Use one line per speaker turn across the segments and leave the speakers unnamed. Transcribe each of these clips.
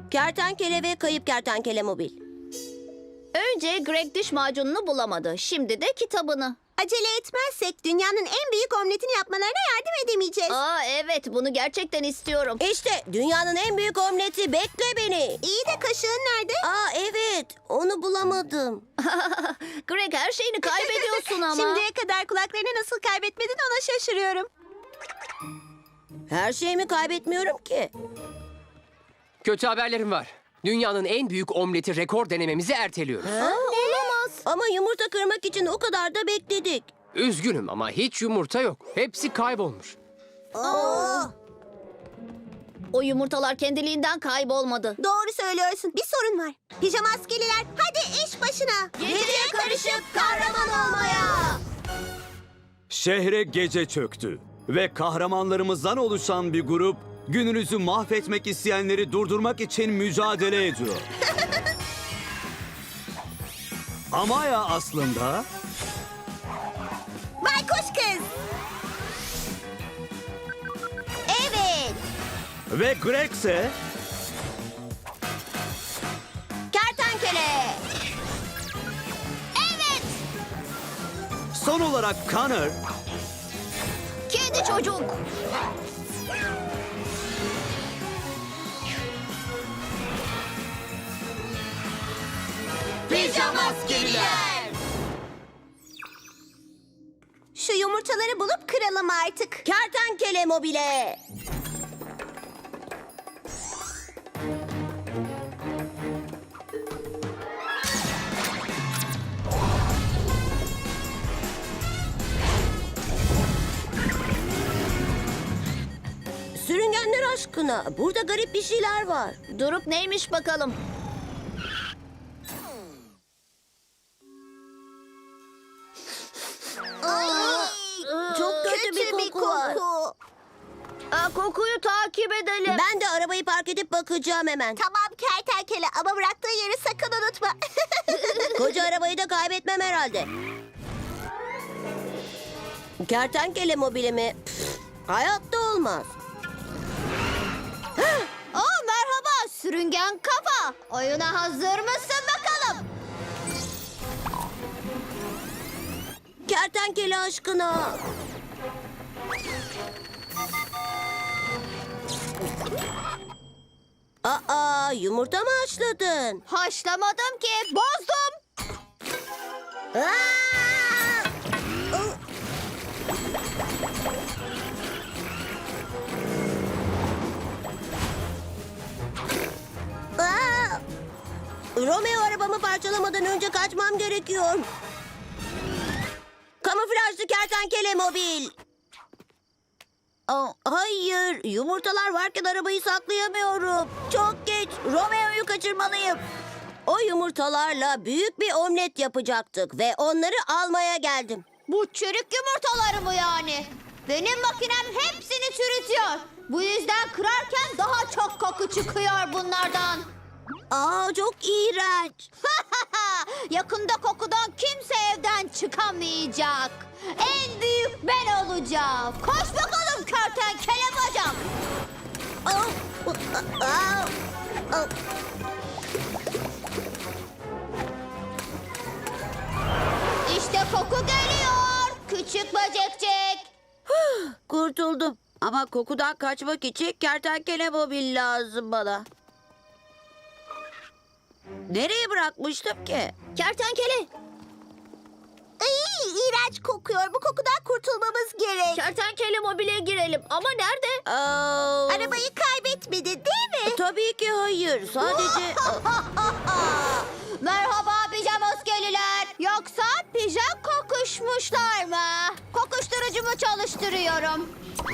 Kertenkele ve kayıp kertenkele mobil.
Önce Greg diş macununu bulamadı. Şimdi de kitabını.
Acele etmezsek dünyanın en büyük omletini yapmalarına yardım edemeyeceğiz.
Aa evet, bunu gerçekten istiyorum.
İşte dünyanın en büyük omleti, bekle beni.
İyi de kaşığın nerede?
Aa evet, onu bulamadım.
Greg, her şeyini kaybediyorsun ama.
Şimdiye kadar kulaklarını nasıl kaybetmedin ona şaşırıyorum.
Her şeyimi kaybetmiyorum ki.
Kötü haberlerim var. Dünyanın en büyük omleti rekor denememizi erteliyoruz.
Olamaz.
Ama yumurta kırmak için o kadar da bekledik.
Üzgünüm ama hiç yumurta yok. Hepsi kaybolmuş.
O yumurtalar kendiliğinden kaybolmadı.
Doğru söylüyorsun. Bir sorun var. Pijama askeriler, hadi iş başına.
Geceye karışıp kahraman olmaya.
Şehre gece çöktü ve kahramanlarımızdan oluşan bir grup gününüzü mahvetmek isteyenleri durdurmak için mücadele ediyor. Amaya aslında
Baykuş kız. Evet.
ve Greg ise
Kertenkele.
Evet.
son olarak Connor
Kedi çocuk.
Pijama askeriler. Şu yumurtaları bulup kıralım artık.
Kertenkele mobile. Sürüngenler aşkına, burada garip bir şeyler var.
Durup neymiş bakalım.
Çok kötü bir koku var.
Aa, kokuyu takip edelim.
Ben de arabayı park edip bakacağım hemen.
Tamam kertenkele ama bıraktığı yeri sakın unutma.
Koca arabayı da kaybetmem herhalde. Kertenkele mobili mi? Pf, hayatta olmaz.
Aa, merhaba sürüngen kafa. Oyuna hazır mısın bakalım?
Kertenkele aşkına. Aa, yumurta mı haşladın?
Haşlamadım ki, bozdum.
Aa! Aa! Romeo arabamı parçalamadan önce kaçmam gerekiyor. Kamuflajlı kertenkele mobil. Aa, hayır, yumurtalar varken arabayı saklayamıyorum. Çok geç, Romeo'yu kaçırmalıyım. O yumurtalarla büyük bir omlet yapacaktık ve onları almaya geldim.
Bu çürük yumurtaları mı yani? Benim makinem hepsini çürütüyor. Bu yüzden kırarken daha çok koku çıkıyor bunlardan.
Aa, çok iğrenç.
Yakında kokudan kimse evden çıkamayacak. En büyük ben olacağım. Koş bakalım kertenkele bacak.
Aa, aa, aa.
İşte koku geliyor. Küçük böcekcik.
Kurtuldum. Ama kokudan kaçmak için kertenkele mobil lazım bana. Nereye bırakmıştım ki?
Kertenkele.
Ay, iğrenç kokuyor. Bu kokudan kurtulmamız gerek.
Kertenkele mobile girelim. Ama nerede?
Aa,
Arabayı kaybetmedi değil mi?
tabii ki hayır. Sadece...
Merhaba pijamaskeliler. Yoksa pijam kokuşmuşlar mı? Kokuşturucumu çalıştırıyorum.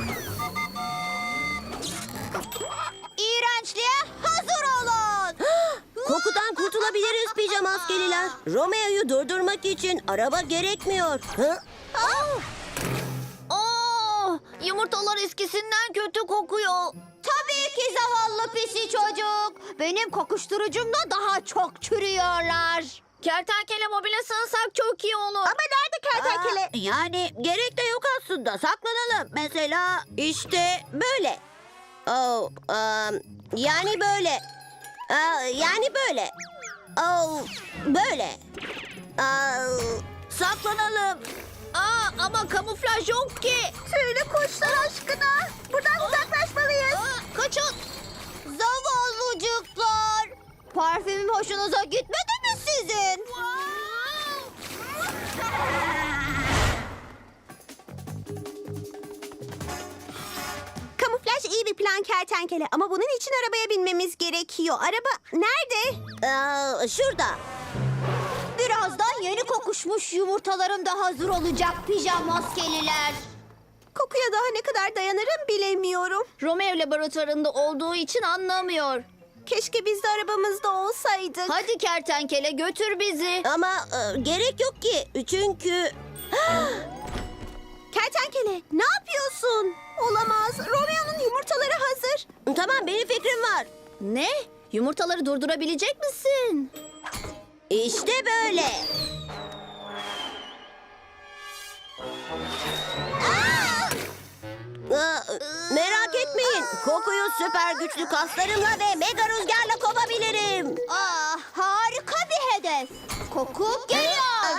İğrençliğe hazır olun.
Kokudan kurtulabiliriz pijama askeriler. Romeo'yu durdurmak için araba gerekmiyor. Hı?
Yumurtalar eskisinden kötü kokuyor. Tabii ki zavallı pisi çocuk. Benim kokuşturucumla daha çok çürüyorlar. Kertenkele mobile sığınsak çok iyi olur.
Ama nerede kertenkele?
Yani gerek de yok aslında. Saklanalım. Mesela işte böyle. Oh, yani böyle. Yani böyle. Böyle. Saklanalım.
Ama kamuflaj yok ki.
Tüylü kuşlar aşkına. Buradan uzaklaşmalıyız.
Kaçın. Zavallıcıklar. Parfümüm hoşunuza gitmedi mi sizin?
Kamuflaj iyi bir plan kertenkele ama bunun için arabaya binmemiz gerekiyor. Araba nerede?
Şurada.
Birazdan yeni kokuşmuş yumurtalarım da hazır olacak pijamaskeliler.
Kokuya daha ne kadar dayanırım bilemiyorum.
Romeo laboratuvarında olduğu için anlamıyor.
Keşke biz de arabamızda olsaydık.
Hadi kertenkele götür bizi.
Ama gerek yok ki. Çünkü...
Kertenkele ne yapıyorsun? Olamaz. Romeo'nun yumurtaları hazır.
Tamam, benim fikrim var.
Ne? Yumurtaları durdurabilecek misin?
İşte böyle. Merak etmeyin. Kokuyu süper güçlü kaslarımla ve mega rüzgarla kovabilirim.
Harika bir hedef. Koku geliyor.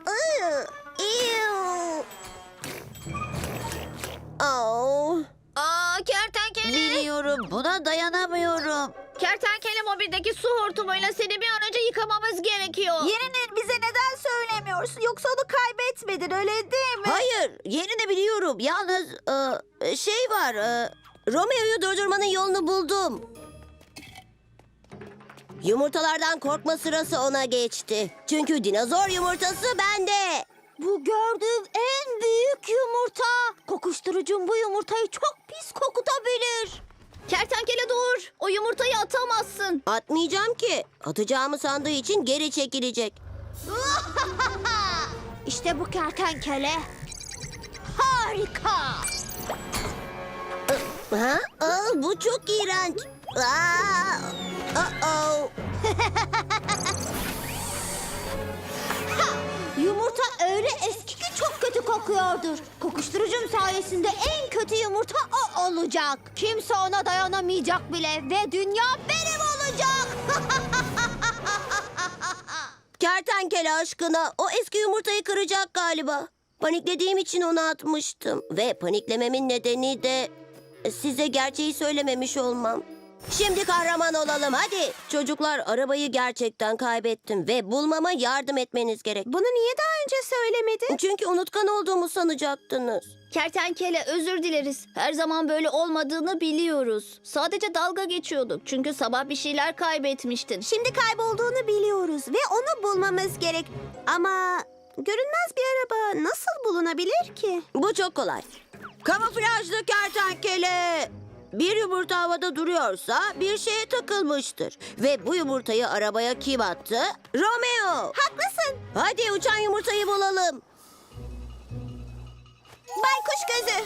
Kertenkele.
Biliyorum, buna dayanamıyorum.
Kertenkele mobildeki su hortumuyla seni bir an önce yıkamamız gerekiyor.
Yerini bize neden söylemiyorsun? Yoksa onu kaybetmedin öyle değil mi?
Hayır, yerini biliyorum. Yalnız şey var. Romeo'yu durdurmanın yolunu buldum. Yumurtalardan korkma sırası ona geçti. Çünkü dinozor yumurtası bende.
Bu gördüğüm en büyük yumurta. Kokuşturucum bu yumurtayı çok pis kokutabilir. Kertenkele dur. O yumurtayı atamazsın.
Atmayacağım ki. Atacağımı sandığı için geri çekilecek.
İşte bu kertenkele. Harika.
Ha? Bu çok iğrenç.
Yumurta öyle eski ki çok kötü kokuyordur. Kokuşturucum sayesinde en kötü yumurta o olacak. Kimse ona dayanamayacak bile ve dünya benim olacak.
Kertenkele aşkına, o eski yumurtayı kıracak galiba. Paniklediğim için onu atmıştım. Ve paniklememin nedeni de size gerçeği söylememiş olmam. Şimdi kahraman olalım hadi. Çocuklar, arabayı gerçekten kaybettim ve bulmama yardım etmeniz gerek.
Bunu niye daha önce söylemedin?
Çünkü unutkan olduğumu sanacaktınız.
Kertenkele özür dileriz. Her zaman böyle olmadığını biliyoruz. Sadece dalga geçiyorduk. Çünkü sabah bir şeyler kaybetmiştin.
Şimdi kaybolduğunu biliyoruz ve onu bulmamız gerek. Ama görünmez bir araba nasıl bulunabilir ki?
Bu çok kolay. Kamuflajlı kertenkele. Bir yumurta havada duruyorsa bir şeye takılmıştır. Ve bu yumurtayı arabaya kim attı? Romeo.
Haklısın.
Hadi uçan yumurtayı bulalım.
Baykuş gözü.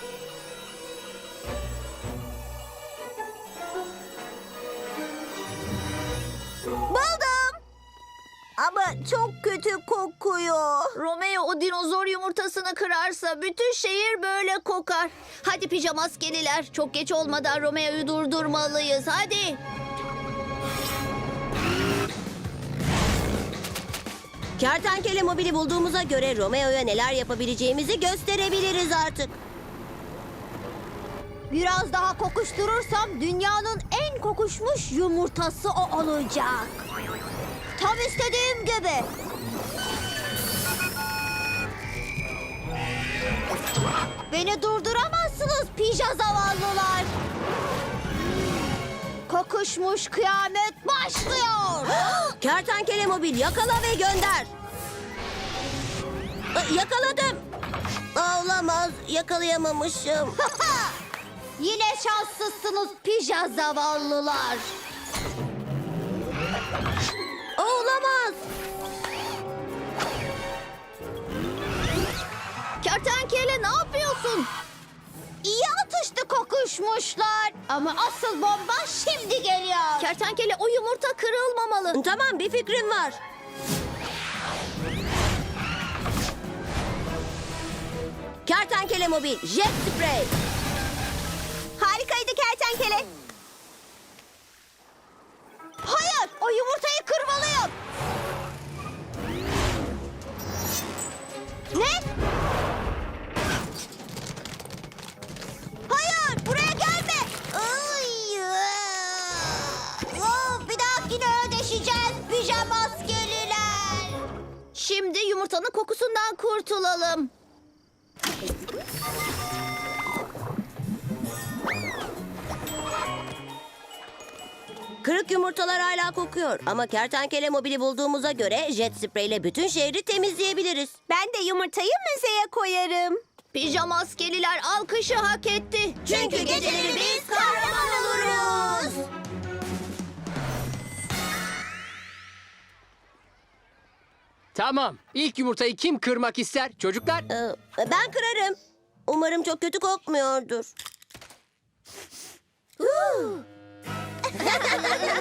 Buldum. Ama çok kötü kokuyor.
Romeo o dinozor yumurtasını kırarsa bütün şehir böyle kokar. Hadi pijamaskeliler. Çok geç olmadan Romeo'yu durdurmalıyız. Hadi.
Kertenkele mobili bulduğumuza göre Romeo'ya neler yapabileceğimizi gösterebiliriz artık.
Biraz daha kokuşturursam dünyanın en kokuşmuş yumurtası o olacak. Tam istediğim gibi. Beni durduramazsınız pija zavallılar. Kokuşmuş kıyamet başlıyor.
Kertenkele mobil, yakala ve gönder. Yakaladım. Olamaz, yakalayamamışım.
Yine şanssızsınız pija zavallılar.
Olamaz.
Kertenkele ne yapıyorsun? İyi atıştı kokuşmuşlar. Ama asıl bomba şimdi geliyor. Kertenkele o yumurta kırılmamalı.
Tamam, bir fikrim var. Kertenkele mobil, jet spray.
Harikaydı kertenkele.
yumurtanın kokusundan kurtulalım.
Kırık yumurtalar hala kokuyor ama kertenkele mobili bulduğumuza göre jet spreyle bütün şehri temizleyebiliriz.
Ben de yumurtayı müzeye koyarım.
Pijama askeriler alkışı hak etti.
Çünkü geceleri biz kahraman oluruz.
Tamam. İlk yumurtayı kim kırmak ister? Çocuklar.
Ben kırarım. Umarım çok kötü kokmuyordur.